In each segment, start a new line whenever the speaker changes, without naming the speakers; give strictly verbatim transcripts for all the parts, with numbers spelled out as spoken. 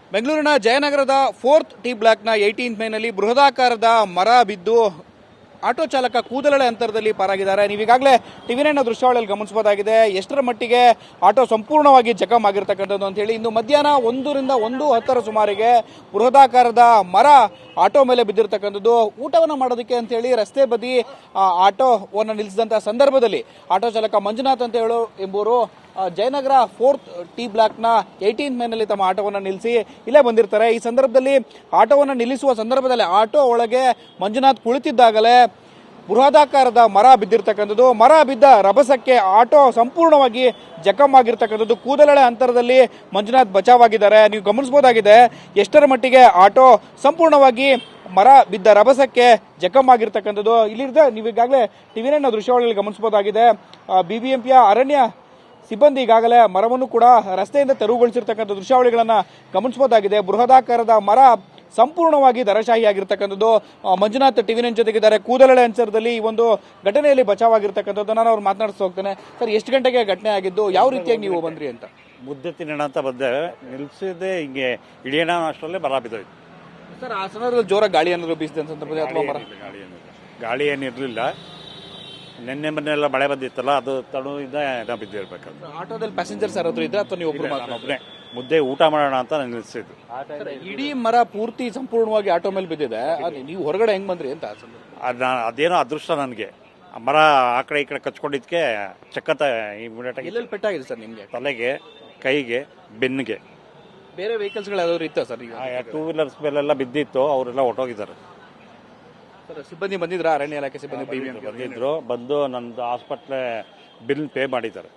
ಬೆಂಗಳೂರಿನ ಜಯನಗರದ fourth T ಬ್ಲಾಕ್ನ ಏಯ್ಟೀನ್ತ್ ಮೇನಲ್ಲಿ ಬೃಹದಾಕಾರದ ಮರ ಬಿದ್ದು ಆಟೋ ಚಾಲಕ ಕೂದಲೆಳೆ ಅಂತರದಲ್ಲಿ ಪಾರಾಗಿದ್ದಾರೆ. ನೀವೀಗಾಗಲೇ ಟಿವಿ ನೈನ್ ದೃಶ್ಯಾವಳಿಯಲ್ಲಿ ಗಮನಿಸಬಹುದಾಗಿದೆ ಎಷ್ಟರ ಮಟ್ಟಿಗೆ ಆಟೋ ಸಂಪೂರ್ಣವಾಗಿ ಜಖಮ್ ಆಗಿರ್ತಕ್ಕಂಥದ್ದು ಅಂತ ಹೇಳಿ. ಇಂದು ಮಧ್ಯಾಹ್ನ ಒಂದರಿಂದ ಒಂದು ಹತ್ತರ ಸುಮಾರಿಗೆ ಬೃಹದಾಕಾರದ ಮರ ಆಟೋ ಮೇಲೆ ಬಿದ್ದಿರ್ತಕ್ಕಂಥದ್ದು. ಊಟವನ್ನು ಮಾಡೋದಕ್ಕೆ ಅಂತ ಹೇಳಿ ರಸ್ತೆ ಬದಿ ಆಟೋವನ್ನು ನಿಲ್ಲಿಸಿದಂತಹ ಸಂದರ್ಭದಲ್ಲಿ ಆಟೋ ಚಾಲಕ ಮಂಜುನಾಥ್ ಅಂತ ಹೇಳೋ ಎಂಬುವರು ಜಯನಗರ ಫೋರ್ತ್ ಟಿ ಬ್ಲಾಕ್ನ ಏಯ್ಟೀನ್ತ್ ಮೇನಲ್ಲಿ ತಮ್ಮ ಆಟೋವನ್ನು ನಿಲ್ಲಿಸಿ ಇಲ್ಲೇ ಬಂದಿರ್ತಾರೆ. ಈ ಸಂದರ್ಭದಲ್ಲಿ ಆಟೋವನ್ನು ನಿಲ್ಲಿಸುವ ಸಂದರ್ಭದಲ್ಲಿ ಆಟೋ ಒಳಗೆ ಮಂಜುನಾಥ್ ಕುಳಿತಿದ್ದಾಗಲೇ ಬೃಹದಾಕಾರದ ಮರ ಬಿದ್ದಿರ್ತಕ್ಕಂಥದ್ದು. ಮರ ಬಿದ್ದ ರಭಸಕ್ಕೆ ಆಟೋ ಸಂಪೂರ್ಣವಾಗಿ ಜಖಮ್ ಆಗಿರ್ತಕ್ಕಂಥದ್ದು. ಕೂದಲೆಳೆ ಅಂತರದಲ್ಲಿ ಮಂಜುನಾಥ್ ಬಚಾವಾಗಿದ್ದಾರೆ. ನೀವು ಗಮನಿಸಬಹುದಾಗಿದೆ ಎಷ್ಟರ ಮಟ್ಟಿಗೆ ಆಟೋ ಸಂಪೂರ್ಣವಾಗಿ ಮರ ಬಿದ್ದ ರಭಸಕ್ಕೆ ಜಖಮ್ ಆಗಿರ್ತಕ್ಕಂಥದ್ದು. ಇಲ್ಲಿದ್ದ ನೀವೀಗಾಗಲೇ ಟಿವಿ ನೈನ್ ದೃಶ್ಯಾವಳಿಯಲ್ಲಿ ಗಮನಿಸಬಹುದಾಗಿದೆ ಬಿಬಿಎಂಪಿಯ ಅರಣ್ಯ ಸಿಬ್ಬಂದಿ ಈಗಾಗಲೇ ಮರವನ್ನು ಕೂಡ ರಸ್ತೆಯಿಂದ ತೆರವುಗೊಳಿಸಿರ್ತಕ್ಕಂಥ ದೃಶ್ಯಾವಳಿಗಳನ್ನ ಗಮನಿಸಬಹುದಾಗಿದೆ. ಬೃಹದಾಕಾರದ ಮರ ಸಂಪೂರ್ಣವಾಗಿ ದರಶಾಹಿ ಆಗಿರ್ತಕ್ಕಂಥದ್ದು. ಮಂಜುನಾಥ್ ಟಿವಿ ನೈನ್ ಜೊತೆಗಿದ್ದಾರೆ. ಕೂದಲೆಳೆ ಅಂಚರದಲ್ಲಿ ಈ ಒಂದು ಘಟನೆಯಲ್ಲಿ ಬಚಾವಾಗಿರ್ತಕ್ಕಂಥದ್ದು. ನಾನು ಅವ್ರು ಮಾತನಾಡಿಸ್ತಾ ಹೋಗ್ತೇನೆ. ಸರ್, ಎಷ್ಟು ಗಂಟೆಗೆ ಘಟನೆ ಆಗಿದ್ದು, ಯಾವ ರೀತಿಯಾಗಿ ನೀವು ಬಂದ್ರಿ ಅಂತ?
ಮುದ್ದೆ ತಿನ್ನೋಣ ಅಂತ ಬಂದೆ, ನಿಲ್ಸಿದೆ ಹಿಂಗೆ ಇಳಿಯೋಣ ಅಷ್ಟರಲ್ಲೇ ಮರ ಬಿದ್ದೋಯ್ತು.
ಸರ್, ಆ ಸಂದರ್ಭದಲ್ಲಿ ಜೋರಾಗಿ ಗಾಳಿ ಏನಾದ್ರು ಬೀಸಿದೆ ಅಂತ ಸಂದರ್ಭದಲ್ಲಿ ಅಥವಾ ಮರ
ಗಾಳಿ ಏನಿಲ್ಲ ಗಾಳಿ ಏನಿರಲಿಲ್ಲ. ನಿನ್ನೆ ಮೊನ್ನೆಲ್ಲ ಮಳೆ ಬಂದಿತ್ತಲ್ಲ, ಅದು ತಡುವಿಂದ ಏನೋ ಬಿದ್ದಿರ್ಬೇಕಂತ.
ಆಟೋದಲ್ಲಿ ಪ್ಯಾಸೆಂಜರ್ಸ್ ಯಾರಾದ್ರೂ ಇದ್ರೆ ಅಥವಾ ನೀವು ಒಬ್ರು ಮಾತ್ರ?
ಒಬ್ಬನೇ ಮುದ್ದೆ ಊಟ ಮಾಡೋಣ ಅಂತ ನಾನು ನಿಲ್ಸಿದ್ದು.
ಇಡೀ ಮರ ಪೂರ್ತಿ ಸಂಪೂರ್ಣವಾಗಿ ಆಟೋ ಮೇಲೆ ಬಿದ್ದಿದೆ. ನೀವು ಹೊರಗಡೆ ಹೆಂಗ್ ಬಂದ್ರಿ ಅಂತ?
ಅದ ಅದೇನೋ ಅದೃಷ್ಟ ನನಗೆ. ಮರ ಆ ಕಡೆ ಈ ಕಡೆ ಕಚ್ಕೊಂಡಿದ್ಕೆ ಚಕ್ಕಂತ ಇಮಿಡಿಯೇಟ್ ಆಗಿ
ಎಲ್ಲೆಲ್ಲಿ ಪೆಟ್ಟಾಗಿದೆ ಸರ್ ನಿಮ್ಗೆ?
ತಲೆಗೆ, ಕೈಗೆ, ಬೆನ್ನಿಗೆ.
ಬೇರೆ ವೆಹಿಕಲ್ಸ್ಗಳು ಯಾವ್ದಾದ್ರು ಇತ್ತ ಸರ್? ಈಗ
ಟೂ ವೀಲರ್ಸ್ ಮೇಲೆಲ್ಲ ಬಿದ್ದಿತ್ತು, ಅವರೆಲ್ಲ ಹೊಟ್ಟೋಗಿದ್ದಾರೆ.
ಸರ್, ಸಿಬ್ಬಂದಿ ಬಂದಿದ್ರ? ಅರಣ್ಯ ಇಲಾಖೆ ಸಿಬ್ಬಂದಿ
ಬಂದಿದ್ರು. ಬಂದು ನಂದು ಹಾಸ್ಪಿಟ್ಲೆ ಬಿಲ್ ಪೇ ಮಾಡಿದ್ದಾರೆ.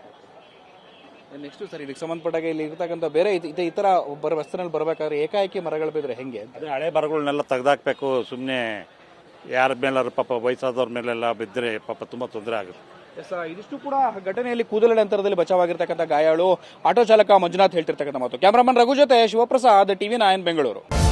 ನೆಕ್ಸ್ಟ್ ಸರ್, ಇದಕ್ಕೆ ಸಂಬಂಧಪಟ್ಟಾಗ ಇಲ್ಲಿ ಇರ್ತಕ್ಕಂಥ ಬೇರೆ ಈ ತರ ಬರ ಬಸ್ನಲ್ಲಿ ಬರಬೇಕಾದ್ರೆ ಏಕಾಏಕಿ ಮರಗಳು ಬಿದ್ರೆ ಹೆಂಗೆ?
ಅದೇ ಹಳೆ ಮರಗಳನ್ನೆಲ್ಲ ತೆಗೆದಾಕ್ಬೇಕು. ಸುಮ್ಮನೆ ಯಾರ ಮೇಲಾದ್ರು ಪಾಪ ವಯಸ್ಸಾದವ್ರ ಮೇಲೆಲ್ಲ ಬಿದ್ದರೆ ಪಾಪ ತುಂಬಾ ತೊಂದರೆ ಆಗುತ್ತೆ.
ಇದಿಷ್ಟು ಕೂಡ ಘಟನೆಯಲ್ಲಿ ಕೂದಲೆಳೆ ಅಂತರದಲ್ಲಿ ಬಚಾವಾಗಿರ್ತಕ್ಕಂಥ ಗಾಯಾಳು ಆಟೋ ಚಾಲಕ ಮಂಜುನಾಥ್ ಹೇಳ್ತಿರ್ತಕ್ಕಂಥ ಮಾತು. ಕ್ಯಾಮರಾಮನ್ ರಘು ಜೊತೆ ಶಿವಪ್ರಸಾದ್, ಟಿವಿ ನೈನ್ ಬೆಂಗಳೂರು.